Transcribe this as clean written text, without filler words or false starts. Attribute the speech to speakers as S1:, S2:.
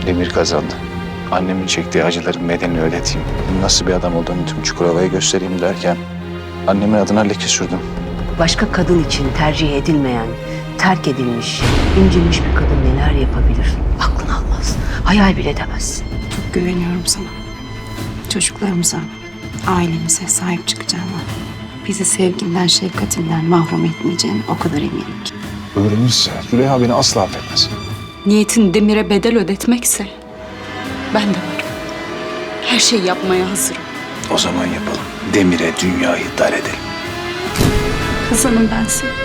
S1: Demir kazandı. Annemin çektiği acıların bedelini ödeteyim. Nasıl bir adam olduğunu tüm Çukurova'ya göstereyim derken annemin adına leke sürdüm.
S2: Başka kadın için tercih edilmeyen, terk edilmiş, incinmiş bir kadın neler yapabilir? Aklın almaz, hayal bile edemezsin.
S3: Çok güveniyorum sana. Çocuklarımıza, ailemize sahip çıkacağına, bizi sevginden, şefkatinden mahrum etmeyeceğine o kadar eminim ki.
S1: Öğrenirse Züleyha beni asla affetmez.
S4: Niyetin Demir'e bedel ödetmekse ben de varım. Her şeyi yapmaya hazırım.
S1: O zaman yapalım. Demir'e dünyayı dar edelim.
S4: Kızanım ben seni.